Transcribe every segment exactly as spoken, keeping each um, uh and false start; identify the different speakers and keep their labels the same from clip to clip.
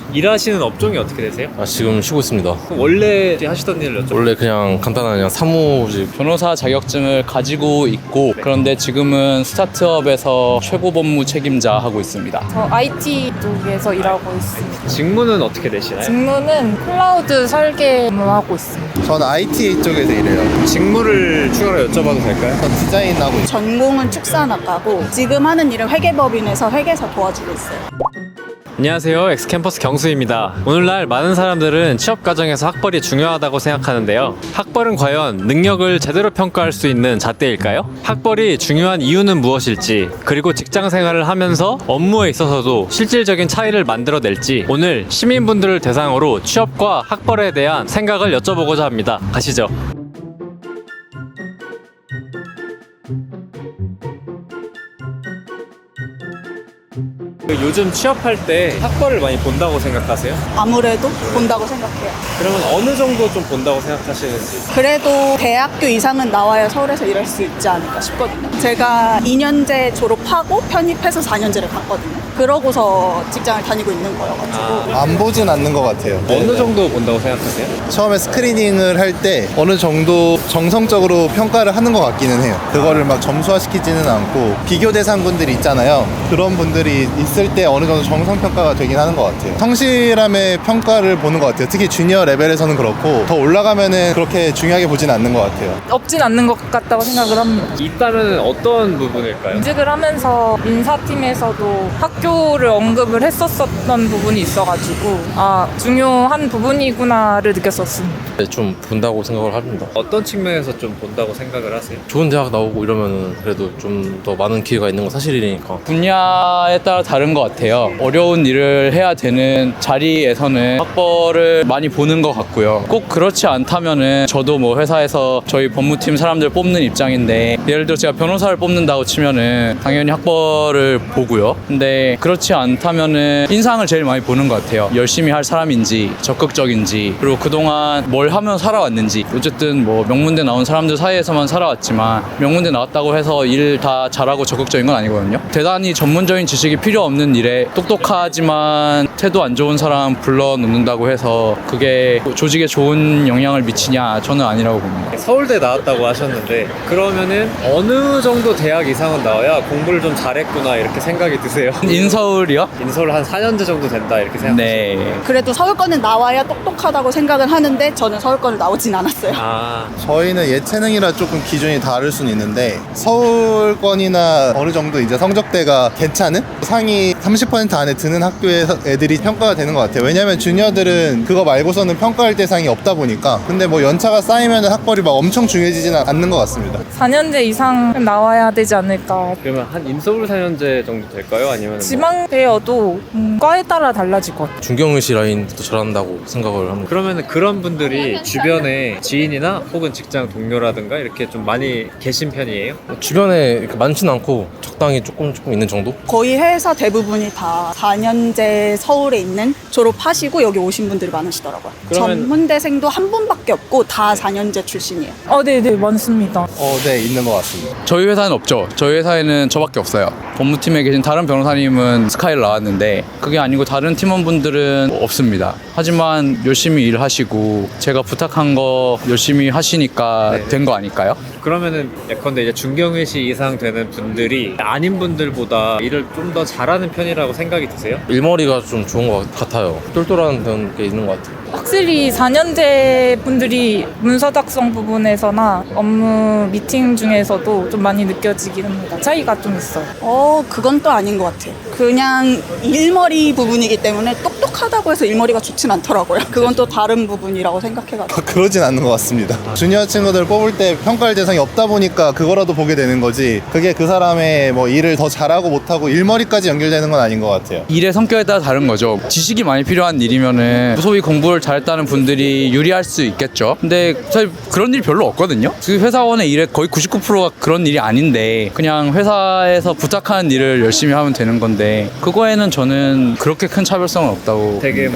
Speaker 1: 일하시는 업종이 어떻게 되세요?
Speaker 2: 아, 지금 쉬고 있습니다.
Speaker 1: 원래 하시던 일을 여쭤볼까요?
Speaker 2: 원래 그냥 간단한 그냥 사무직.
Speaker 3: 변호사 자격증을 가지고 있고 그런데 지금은 스타트업에서 최고 법무 책임자 하고 있습니다.
Speaker 4: 저 아이티 쪽에서 일하고 있습니다.
Speaker 1: 직무는 어떻게 되시나요?
Speaker 4: 직무는 클라우드 설계 업무하고 있습니다.
Speaker 5: 저는 아이티 쪽에서 일해요.
Speaker 1: 직무를 추가로 여쭤봐도 될까요?
Speaker 5: 전 디자인하고 있어요.
Speaker 6: 전공은 축산학과고 지금 하는 일은 회계법인에서 회계사 도와주고 있어요.
Speaker 1: 안녕하세요. 엑스캠퍼스 경수입니다. 오늘날 많은 사람들은 취업 과정에서 학벌이 중요하다고 생각하는데요. 학벌은 과연 능력을 제대로 평가할 수 있는 잣대일까요? 학벌이 중요한 이유는 무엇일지, 그리고 직장 생활을 하면서 업무에 있어서도 실질적인 차이를 만들어낼지 오늘 시민분들을 대상으로 취업과 학벌에 대한 생각을 여쭤보고자 합니다. 가시죠. 요즘 취업할 때 학벌을 많이 본다고 생각하세요?
Speaker 6: 아무래도 본다고 생각해요.
Speaker 1: 그러면 어느 정도 좀 본다고 생각하시는지?
Speaker 6: 그래도 대학교 이상은 나와야 서울에서 일할 수 있지 않을까 싶거든요. 제가 이 년제 졸업하고 편입해서 사 년제를 갔거든요. 그러고서 직장을 다니고 있는 거여가지고
Speaker 5: 안 보진 않는 것 같아요.
Speaker 1: 어느 정도 본다고 생각하세요?
Speaker 5: 처음에 스크리닝을 할 때 어느 정도 정성적으로 평가를 하는 것 같기는 해요. 그거를 막 점수화시키지는 않고 비교 대상분들이 있잖아요. 그런 분들이 있을 때 어느 정도 정성평가가 되긴 하는 것 같아요. 성실함의 평가를 보는 것 같아요. 특히 주니어 레벨에서는 그렇고 더 올라가면은 그렇게 중요하게 보진 않는 것 같아요.
Speaker 4: 없진 않는 것 같다고 생각을 합니다.
Speaker 1: 있다면 어떤 부분일까요?
Speaker 4: 이직을 하면서 인사팀에서도 학교를 언급을 했었었던 부분이 있어가지고 아 중요한 부분이구나를 느꼈었습니다.
Speaker 2: 네, 좀 본다고 생각을 합니다.
Speaker 1: 어떤 측면에서 좀 본다고 생각을 하세요?
Speaker 2: 좋은 대학 나오고 이러면은 그래도 좀 더 많은 기회가 있는 건 사실이니까.
Speaker 3: 분야에 따라 다른 것 같아요. 어려운 일을 해야 되는 자리에서는 학벌을 많이 보는 것 같고요. 꼭 그렇지 않다면은 저도 뭐 회사에서 저희 법무팀 사람들 뽑는 입장인데 예를 들어 제가 변호사를 뽑는다고 치면은 당연히 학벌을 보고요. 근데 그렇지 않다면은 인상을 제일 많이 보는 것 같아요. 열심히 할 사람인지 적극적인지 그리고 그동안 뭘 하면 살아왔는지. 어쨌든 뭐 명문대 나온 사람들 사이에서만 살아왔지만 명문대 나왔다고 해서 일 다 잘하고 적극적인 건 아니거든요. 대단히 전문적인 지식이 필요 없는 일에 똑똑하지만 태도 안 좋은 사람 불러놓는다고 해서 그게 조직에 좋은 영향을 미치냐? 저는 아니라고 봅니다.
Speaker 1: 서울대 나왔다고 하셨는데 그러면은 어느 정도 대학 이상은 나와야 공부를 좀 잘했구나 이렇게 생각이 드세요?
Speaker 3: 인서울이요?
Speaker 1: 인서울 한 사 년제 정도 된다 이렇게 생각하세요?
Speaker 3: 네.
Speaker 6: 그래도 서울권은 나와야 똑똑하다고 생각을 하는데 저는 서울권을 나오진 않았어요.
Speaker 1: 아,
Speaker 5: 저희는 예체능이라 조금 기준이 다를 수는 있는데 서울권이나 어느 정도 이제 성적대가 괜찮은 상위 삼십 퍼센트 안에 드는 학교에서 애들이 평가가 되는 것 같아요. 왜냐면 주니어들은 그거 말고서는 평가할 대상이 없다 보니까. 근데 뭐 연차가 쌓이면 학벌이 막 엄청 중요해지지는 않는 것 같습니다.
Speaker 4: 사 년제 이상 나와야 되지 않을까.
Speaker 1: 그러면 한 인서울 사 년제 정도 될까요? 아니면 뭐
Speaker 4: 지방대여도 음, 과에 따라 달라질 것 같아요.
Speaker 2: 중경의시 라인도 잘한다고 생각을 합니다.
Speaker 1: 그러면 그런 분들이 주변에 지인이나 혹은 직장 동료라든가 이렇게 좀 많이 계신 편이에요?
Speaker 2: 주변에 이렇게 많진 않고 적당히 조금 조금 있는 정도?
Speaker 6: 거의 회사 대부분이 다 사 년제 서울에 있는 졸업하시고 여기 오신 분들이 많으시더라고요.
Speaker 1: 그러면-
Speaker 6: 전문대생도 한 분밖에 없고 다 사 년제 출신이에요.
Speaker 4: 어, 네네 많습니다.
Speaker 5: 어, 네, 있는 것 같습니다.
Speaker 3: 저희 회사는 없죠. 저희 회사에는 저밖에 없어요. 법무팀에 계신 다른 변호사님은 스카이를 나왔는데 그게 아니고 다른 팀원분들은 없습니다. 하지만 열심히 일하시고 제가 부탁한 거 열심히 하시니까
Speaker 1: 네.
Speaker 3: 된 거 아닐까요?
Speaker 1: 그러면은 예컨대 이제 중경외시 이상 되는 분들이 아닌 분들보다 일을 좀 더 잘하는 편이라고 생각이 드세요?
Speaker 2: 일머리가 좀 좋은 것 같아요. 똘똘한 게 있는 것 같아요.
Speaker 4: 확실히 사 년제 분들이 문서 작성 부분에서나 업무 미팅 중에서도 좀 많이 느껴지긴 합니다. 차이가 좀 있어요.
Speaker 6: 어, 그건 또 아닌 것 같아요. 그냥 일머리 부분이기 때문에 똑똑하다고 해서 일머리가 좋진 않더라고요. 그건 또 다른 부분이라고 생각해가지고.
Speaker 5: 그러진 않는 것 같습니다. 주니어 친구들 뽑을 때 평가할 대상이 없다 보니까 그거라도 보게 되는 거지 그게 그 사람의 뭐 일을 더 잘하고 못하고 일머리까지 연결되는 건 아닌 것 같아요.
Speaker 3: 일의 성격에 따라 다른 거죠. 지식이 많이 필요한 일이면은 소위 공부를 잘했다는 분들이 유리할 수 있겠죠. 근데 사실 그런 일이 별로 없거든요. 그 회사원의 일의 거의 구십구 퍼센트가 그런 일이 아닌데 그냥 회사에서 부탁하는 일을 열심히 하면 되는 건데 그거에는 저는 그렇게 큰 차별성은 없다고
Speaker 1: 되게
Speaker 3: 봅니다.
Speaker 1: 뭐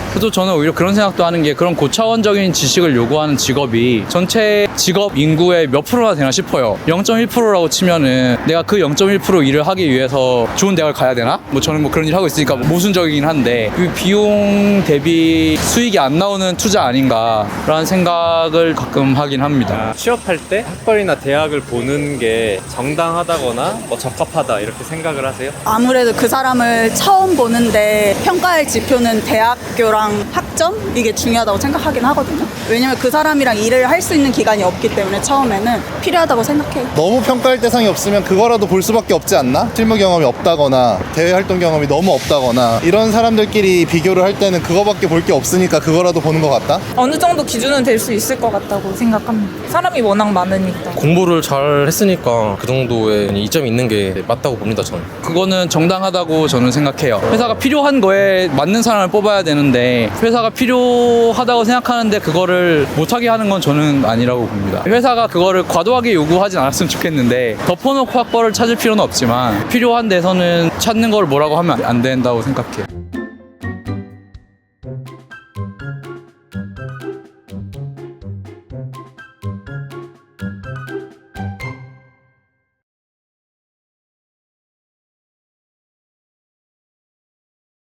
Speaker 3: 그래도 저는 오히려 그런 생각도 하는 게 그런 고차원적인 지식을 요구하는 직업이 전체 직업 인구의 몇 프로나 되나 싶어요. 영 점 일 퍼센트라고 치면은 내가 그 영 점 일 퍼센트 일을 하기 위해서 좋은 대학을 가야 되나? 뭐 저는 뭐 그런 일 하고 있으니까 모순적이긴 한데 그 비용 대비 수익이 안 나오는 투자 아닌가라는 생각을 가끔 하긴 합니다.
Speaker 1: 취업할 때 학벌이나 대학을 보는 게 정당하다거나 뭐 적합하다 이렇게 생각을 하세요?
Speaker 6: 아무래도 그 사람을 처음 보는데 평가할 지표는 대학교랑 학점? 이게 중요하다고 생각하긴 하거든요. 왜냐면 그 사람이랑 일을 할 수 있는 기간이 없기 때문에 처음에는 필요하다고 생각해요.
Speaker 5: 너무 평가할 대상이 없으면 그거라도 볼 수밖에 없지 않나? 실무 경험이 없다거나 대외 활동 경험이 너무 없다거나 이런 사람들끼리 비교를 할 때는 그거밖에 볼 게 없으니까 그거라도 보는 것 같다?
Speaker 4: 어느 정도 기준은 될 수 있을 것 같다고 생각합니다. 사람이 워낙 많으니까.
Speaker 2: 공부를 잘 했으니까 그 정도의 이점이 있는 게 맞다고 봅니다, 저는.
Speaker 3: 그거는 정당하다고 저는 생각해요. 회사가 필요한 거에 맞는 사람을 뽑아야 되는데 회사가 필요하다고 생각하는데 그거를 못하게 하는 건 저는 아니라고 봅니다. 회사가 그거를 과도하게 요구하진 않았으면 좋겠는데 덮어놓고 학벌을 찾을 필요는 없지만 필요한 데서는 찾는 걸 뭐라고 하면 안 된다고 생각해요.